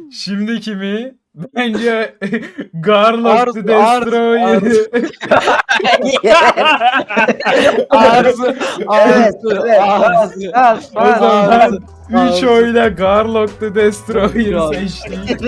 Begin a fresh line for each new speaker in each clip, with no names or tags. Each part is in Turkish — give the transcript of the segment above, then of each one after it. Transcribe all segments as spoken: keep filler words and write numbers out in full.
Şimdiki mi? Bence Garlock
Arzu,
the Destroyer.
Arzu,
Evet,
Arzu,
evet. Bas,
Arzu.
bas,
O
bas.
zaman üç
Arzu.
oyla Garlock the Destroyer
Arzu.
seçtik.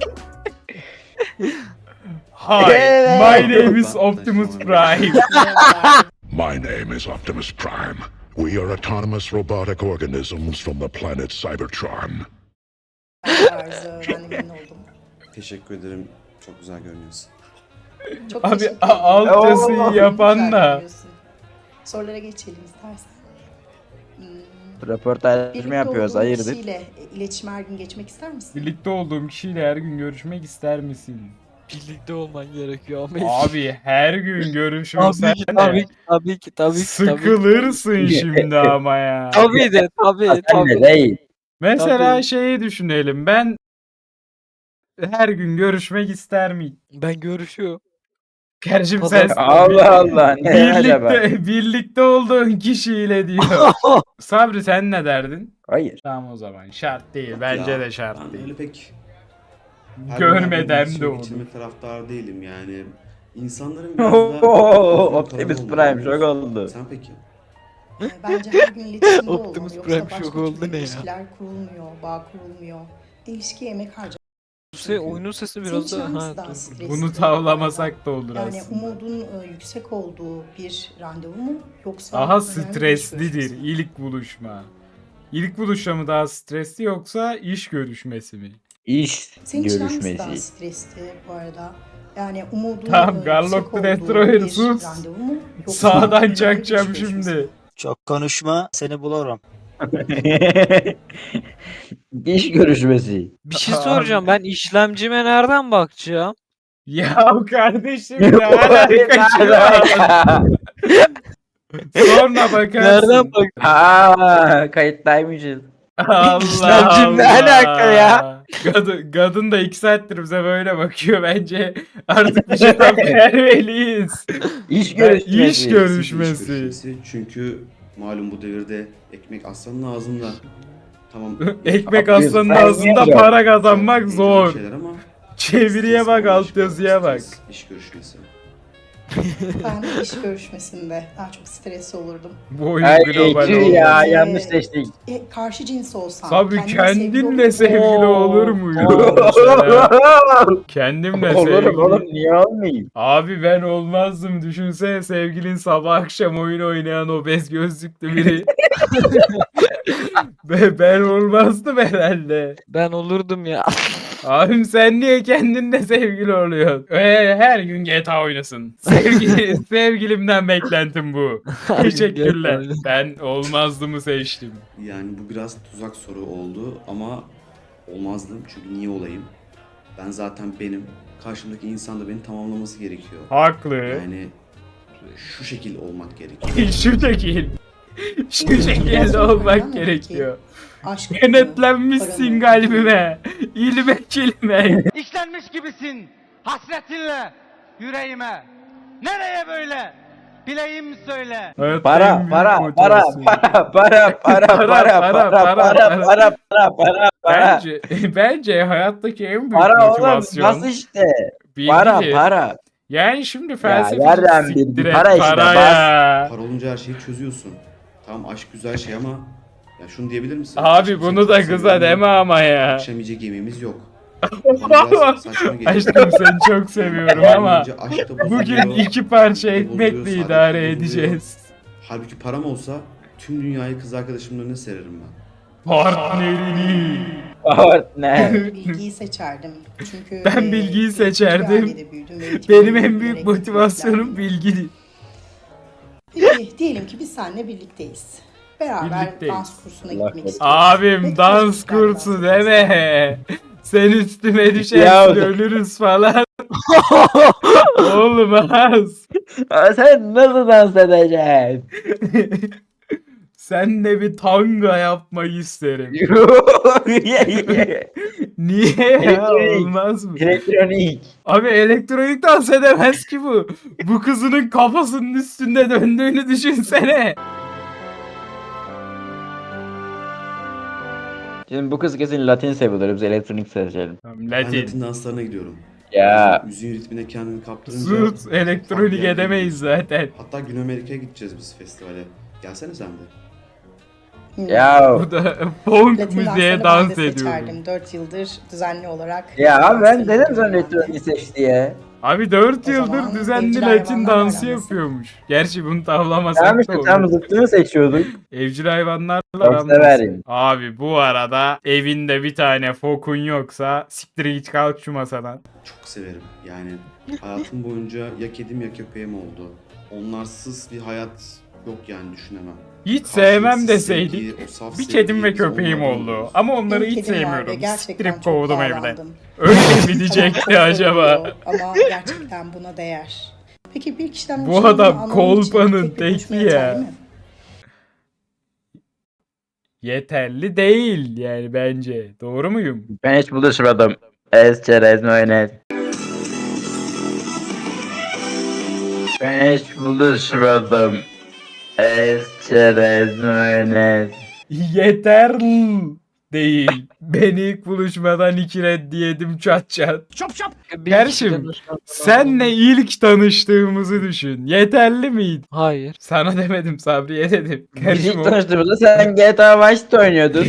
Hi,
Evet.
my name is Optimus Prime.
My name is Optimus Prime. We are autonomous robotic organisms from the planet Cybertron.
Arzu, ben de memnun oldum.
Teşekkür ederim. Çok güzel görünüyorsun.
Çok
Abi
teşekkür
a-
ederim.
alt yazıyı
Oo,
yapan
Güzel
da.
görünüyorsun. Sorulara geçelim istersen. Hmm,
Röportaj mı
birlikte
yapıyoruz?
olduğun
Hayırdır?
kişiyle e, iletişime her gün geçmek ister misin?
Birlikte olduğum kişiyle her gün görüşmek ister misin?
Birlikte olman gerekiyor ama.
Abi her gün görüşürsen
tabii ki,
de
tabii ki, tabii ki, tabii ki, tabii ki.
sıkılırsın şimdi ama ya.
Tabii de, tabii,
Sen de
tabii.
değil.
Mesela
Tabii.
şeyi düşünelim. Ben her gün görüşmek ister miyim?
Ben görüşüyorum.
Kardeşim
Pazar-
sen
Allah Allah. Ne acaba?
birlikte birlikte olduğun kişiyle diyor. Sabri sen ne derdin?
Hayır.
Tamam o zaman şart değil. Bence
Ya,
de şart
ben
değil.
öyle pek her
Görmeden
gün
de
iletişime
olur.
geçirme taraftar değilim yani. İnsanların biraz daha
Optimus Prime şok oldu.
Sen peki?
Ee, Bence her gün iletişimde olmalı.
Optimus
Yoksa
Prime
başka
şok
türlü
oldu ne ya?
ilişkiler kurulmuyor, bağ kurulmuyor. İlişkiye emek harcamak.
Bu se oyunun sesi
Senin
biraz
için
da
hangisi
ha,
daha
dur.
stresli?
Bunu tavlamasak da olur
Yani
aslında.
umudun e, yüksek olduğu bir randevu mu yoksa
Daha
önemli bir iş
streslidir
görüşmesi mi?
ilk buluşma. İlk buluşma mı daha stresli yoksa iş görüşmesi mi?
İş
Senin için hangisi daha
görüşmesi.
stresli bu arada? Yani umudun
Tamam,
e,
Garlock
yüksek
the
olduğu
Destroyer,
bir
sus.
randevu mu yoksa
Sağdan
önemli bir iş
çakacağım
görüşmesi mi?
şimdi.
Çok konuşma, seni bulurum.
İş görüşmesi.
Bir şey soracağım, ben işlemcime nereden bakacağım?
Ya kardeşim ne alakası var? Sonra bakarsın.
Nereden bak?
Aa, kayıttaymışız.
Allah
İşlemcim ne
Allah.
alaka ya?
Kadın, kadın da iki saattir bize böyle bakıyor. Bence artık bir cevap vermeliyiz.
İş
Ben-
görüşmesi.
iş görüşmesi.
İş görüşmesi. Çünkü malum bu devirde ekmek aslanın ağzında. Tamam.
Ekmek
Yapıyorsun,
aslanın
sen
ağzında
niye
para kazanmak
heyecanlı
zor.
şeyler ama
Çeviriye
stres
bak,
olan
alt
iş-
yazıya bak.
stres İş görüşmesi.
Ben de iş görüşmesinde daha çok stresli olurdum.
Bu oyun
Ay
global
tüh
oldu.
ya
Ee,
yanlış seçtik.
E, karşı cins olsam.
Tabii
kendime
kendimle
sevgili olup-
sevgili olur muyum? Mesela kendimle
Olurum
sevgili.
oğlum niye olmayayım?
Abi ben olmazdım. Düşünsene sevgilin sabah akşam oyun oynayan obez gözlüklü biri. ben, ben olmazdım herhalde.
Ben olurdum ya.
Abim sen niye kendinle sevgili oluyorsun? Ee, her gün G T A oynasın. Sevgili, sevgilimden beklentim bu.
Her gün
Teşekkürler.
G T A
Ben olmazdımı seçtim.
Yani bu biraz tuzak soru oldu ama olmazdım çünkü niye olayım? Ben zaten benim. Karşımdaki insan da beni tamamlaması gerekiyor.
Haklı.
Yani şu şekil olmak gerekiyor.
Şu şekil. Şu
Biraz
şekilde
sonra
olmak
peki,
gerekiyor.
Aşk mı,
Kenetlenmişsin
para mı?
kalbime. İlmek ilmek.
İşlenmiş gibisin hasretinle yüreğime. Nereye böyle? Bileyim söyle.
Hayatta en
Para
büyük
para para
motivasyon.
para para para
Para,
para
para,
para
para,
para para para para para.
Bence, bence hayattaki en büyük
Para oğlum
motivasyon
nasıl işte?
bilgi.
Para para.
Yani şimdi felsefe
nereden bildin? Para işte, bas.
ya.
Para olunca her şeyi çözüyorsun. Tamam aşk güzel şey ama ya şunu diyebilir misin?
Abi
Aşkım
bunu
seni
da
çok
kıza
seviyorum
deme
ama
ama ya.
Akşam yiyecek yemeğimiz yok. Bana biraz saçma geliyor.
Aşkım seni çok seviyorum ama
Bence aşk da
bugün
bozuluyor,
iki parça
ilişki de
ekmekle
bozuluyor,
idare
saadet de bozuluyor.
edeceğiz.
Halbuki param olsa tüm dünyayı kız arkadaşımın önüne sererim ben.
Partnerini.
Ne?
Ben bilgiyi seçerdim. Çünkü
Ben
e,
bilgiyi
bir
seçerdim.
ailede büyüdüm ve eğitimimi
Benim en büyük
bilerek
motivasyonum
bilgilendim.
bilgi.
Peki diyelim ki biz seninle birlikteyiz. Beraber
Birlikteyiz.
dans kursuna
Allah
gitmek istiyoruz.
Abim
Peki,
dans
çocuklar
kursu
dans edeceğiz.
deme. Sen üstüme
Ya.
düşersin ölürüz falan. Olmaz.
Sen nasıl dans edeceksin?
Senle bir tanga yapmayı isterim. Niye ya?
Elektronik.
Olmaz mı?
Elektronik.
Abi elektronik dans edemez ki bu. Bu kızının kafasının üstünde döndüğünü düşünsene.
Şimdi bu kız kesin Latin seviyorlar. Biz elektronik seçelim.
Tamam,
Ben
Latin.
Latin danslarına gidiyorum.
Ya.
Müziğin ritmine kendini kaptırınca...
Sus, elektronik
farklı
edemeyiz zaten.
Hatta Güney Amerika'ya gideceğiz biz festivale. Gelsene sen de.
Hmm.
Ya.
Bu da funk
Latin
müziğe
danslarını
dans
ben de
ediyorum.
seçerdim. dört yıldır düzenli olarak.
Ya abi ben
danslarını
dedim sana
yapıyorum
elektronik seç diye.
Abi dört
O
yıldır
zaman
düzenli
evcil
Latin
hayvanlar
dansı
aramızda.
yapıyormuş. Gerçi bunu tavlamasak
Tamam
da
işte
olur.
tam zıttını seçiyorduk.
Evcil hayvanlarla
Çok
aram
severim.
nasıl? Abi bu arada evinde bir tane fokun yoksa siktir git kalk şu masadan.
Çok severim. Yani hayatım boyunca ya kedim ya köpeğim oldu. Onlarsız bir hayat yok yani düşünemem.
Hiç sevmem
Karşılıksız
deseydik.
sevgi, o saf
Bir
sevgi
kedim ve
biz
köpeğim
onlardan
oldu.
alıyoruz.
Ama onları
Benim
hiç
kedim vardı,
sevmiyorum.
gerçekten
Siktirip
çok
kovdum evden.
bağlandım.
Öyle mi
Çok
diyecekti acaba?
seviyor Ama gerçekten buna değer. Peki bir kişiden
Bu
hoşlandığını
adam
anlaman için
kolpanın
tek bir buluşma
teki ya.
yeterli mi?
Yeterli değil yani bence. Doğru muyum?
Ben hiç buluşmadım. Ez çerez mayonez. Ben hiç buluşmadım. Ez çerez mayonez.
Yeterli değil. Beni ilk buluşmadan iki reddiyedim çat çat.
Bir
Kardeşim,
kişiden hoşlandım.
Senle ilk tanıştığımızı düşün. Yeterli miydi?
Hayır.
Sana demedim, Sabriye dedim.
Biz
Kardeşim
ilk
o,
tanıştığımızda sen G T A Vice'de oynuyordun.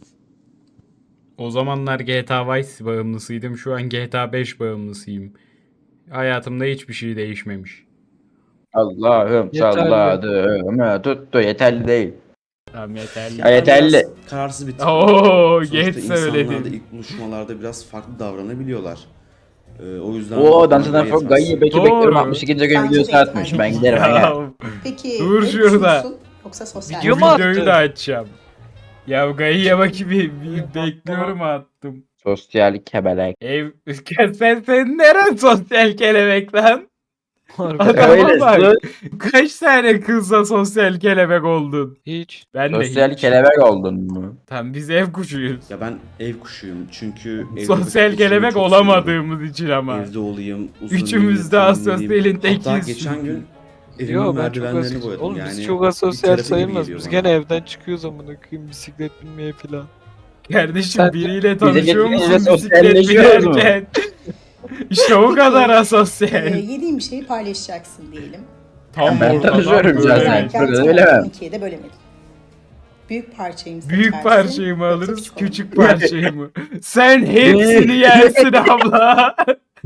o zamanlar G T A Vice bağımlısıydım. Şu an G T A beş bağımlısıyım. Hayatımda hiçbir şey değişmemiş.
Allah'ım
Yeterli.
salladı. Tuttu yeterli değil.
Tamam yeterli.
Ya yeterli.
Biraz kararsız bir tip.
Oo,
Sonuçta
geç
insanlar da
söyledin.
ilk buluşmalarda biraz farklı davranabiliyorlar. Ee, o yüzden...
Oo dansından çok
yetmez.
gayı beki
Doğru.
bekliyorum. altmış ikinci gün
Bence
videosu
de
atmış.
yeterli.
Ben giderim. ben
Ya,
gel.
Peki
Dur
ne
şurada.
düşünüyorsun? Yoksa sosyal
Video
bu
mu
videoyu
attı?
da açacağım. Ya Gayı'ya bakayım bir, bir bekliyorum attım.
Sosyal kebelek.
Ev sen sen neren sosyal kelebek lan?
Harbi.
Adama
Öyle,
bak.
sus.
Kaç tane kızla sosyal kelebek oldun?
Hiç.
Ben de
Sosyal
hiç.
kelebek oldun mu?
Tam biz ev kuşuyuz.
Ya ben ev kuşuyum çünkü... evde
Sosyal
vakit geçirmeyi
kelebek
çok
olamadığımız için ama.
seviyorum. Evde olayım, uzun
Üçümüz de
yürüyeyim,
asosyalin
dinleneyim.
tekiyiz.
Hatta geçen gün evimin
Yo ben çok
merdivenlerini
asosyal.
boyadım.
Oğlum
yani
biz çok
bir
asosyal
terapi gibi
sayılmaz.
geliyor
Biz
bana.
gene evden çıkıyoruz amına koyayım bisiklet binmeye falan.
Kardeşim
Sen-
biriyle tanışıyor
Bize
musun
getirince
bisiklet
sosyalleşiyoruz mu?
binerken? İşte o kadar
Ee,
asosyal.
yediğin bir şeyi paylaşacaksın diyelim.
Tam
Ben
ortadan
tanışıyorum
böyle.
zaten.
Bölerken
Burada
tam
öyle mi?
on ikiye de bölemedin. Büyük parçayı mı
Büyük
seçersin,
parçayı mı
yoksa
alırız,
küçük olanı mı?
küçük parçayı mı? Sen hepsini yersin abla.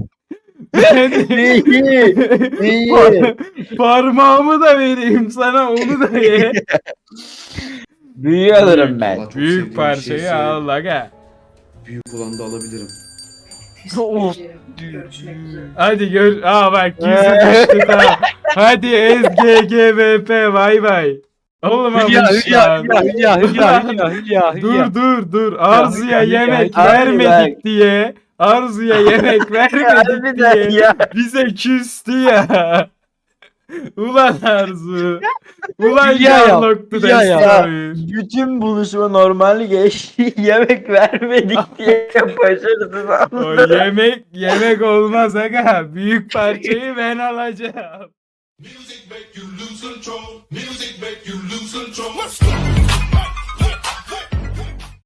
Ben
İyi, iyi.
Par- parmağımı da vereyim sana, onu da ye.
Büyüğü alırım ben.
Vallahi çok
Büyük
sevdiğim bir
parçayı
şeyse
al aga.
Büyük olanı da alabilirim.
Of.
Hadi gör. Aa bak yüzü düştü tamam. Hadi S G G V P vay vay. Olmamış
Hülya Hülya
lan.
Hülya Hülya Hülya Hülya Hülya Hülya.
Dur dur dur. Arzu'ya
Hülya,
yemek
Hülya.
vermedik diye. Arzu'ya yemek vermedik
Harbiden
diye.
ya.
Bize küstü ya. Ulan Arzu. Ulan
Hülya ya,
Yarlok'tu
Hülya ya.
Destroy.
Bütün buluşma normal geçti. Yemek vermedik diye başarısız
O
aldı.
yemek yemek olmaz aga. Büyük parçayı ben alacağım.
Music make you lose control. Music make you lose control. Let's go.